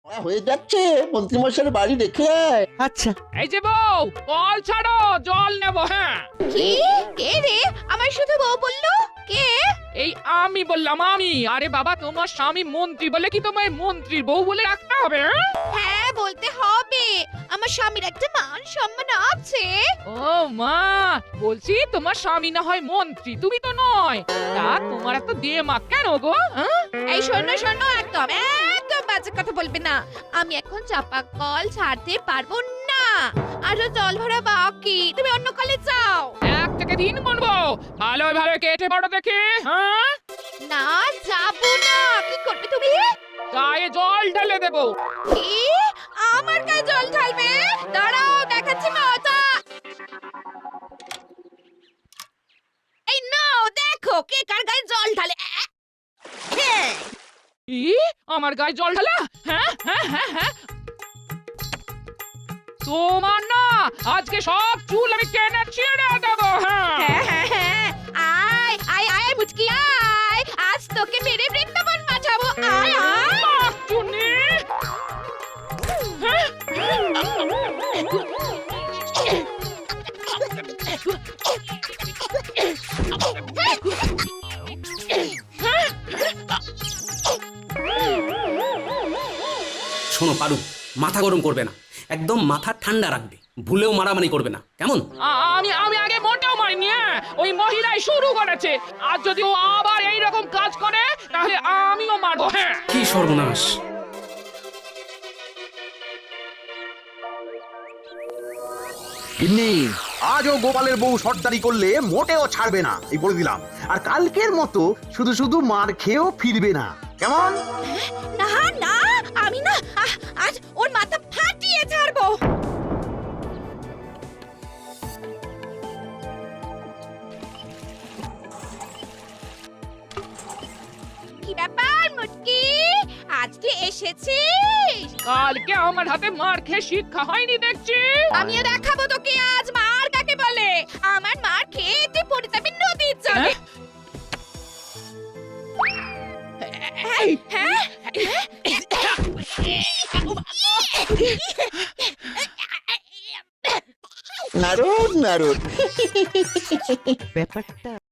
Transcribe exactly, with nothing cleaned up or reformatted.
আ, হয়ে যাচ্ছে, মন্ত্রীমশাইয়ের বাড়ি রেখে আয়। আচ্ছা। এই যে বউ, কল ছাড়ো, জল নেবো। হ্যাঁ, কি? কে রে? আমার শুধু বউ বললো? কে? এই আমি বললাম আমি। আরে বাবা, তোমার স্বামী মন্ত্রী বলে কি তোমায় মন্ত্রীর বউ বলে রাখতে হবে? হ্যাঁ? হ্যাঁ, বলতে হবে। আমার স্বামীর একটা মান সম্মান আছে। ও মা, বলছি তোমার স্বামী না হয় মন্ত্রী, তুমি তো নয়। তা তোমার এত দেমাগ কেন গো? হ্যাঁ? এই শোনো শোনো, একদম একদম বাজে কথা বলবে না। আমি এখন চাপা কল ছাড়তে পারবো না। আরো জল ভরা বাকি, তুমি অন্য কলে যাও। এক থেকে তিন গুনবো, ভালো ভালো কেটে পড়ো দেখি। হ্যাঁ, না, যাবো না। কি করবে তুমি? গায়ে জল ঢেলে দেবো। কি? আমার গায়ে জল ঢালবে? দাঁড়াও, দেখাচ্ছি মজা। এই নাও, দেখো কে কার গায়ে জল ঢালে। আ, হ্যাঁ। ই, আমার গায়ে জল ঢালা? হ্যাঁ হ্যাঁ হ্যাঁ হ্যাঁ, তোমার না আজকে সব চুল আমি কেটে ছিঁড়ে দেবো। হ্যাঁ, হ্যাঁ, হ্যাঁ, হ্যাঁ। আয় আয় আয় মুচকি আয়, আজ তোকে মেরে বৃন্দাবন পাঠাবো। আয় আয়। বাহ, চুনি। হ্যাঁ? শোনো পারু, মাথা গরম করবে না, একদম মাথা ঠান্ডা রাখবে, ভুলেও মারামারি করবে না, কেমন? আ- আমি আমি আগে মোটেও মারিনি। হ্যাঁ? ওই মহিলাই শুরু করেছে। আর যদি ও আবার এইরকম কাজ করে তাহলে আমিও মারবো। হ্যাঁ, কি সর্বনাশ! গিন্নি, আজও গোপালের বউ সর্দারি করলে মোটেও ছাড়বে না, এই বলে দিলাম। আর কালকের মতো শুধু শুধু মার খেয়েও ফিরবে না, কেমন? না না, আমি না আহ, আজ ওর মাথা ফাটিয়ে ছাড়বো। কি ব্যাপার মুটকি, আজকে এসেছিস? কালকে আমার হাতে মার খেয়ে শিক্ষা হয়নি দেখছি। আমিও দেখাবো তোকে আজ মার কাকে বলে। আমার মার খেতে পড়ে যাবে নদীর জলে। হ্যাঁ? হ্যাঁ? নারদ নারদ ব্যাপারটা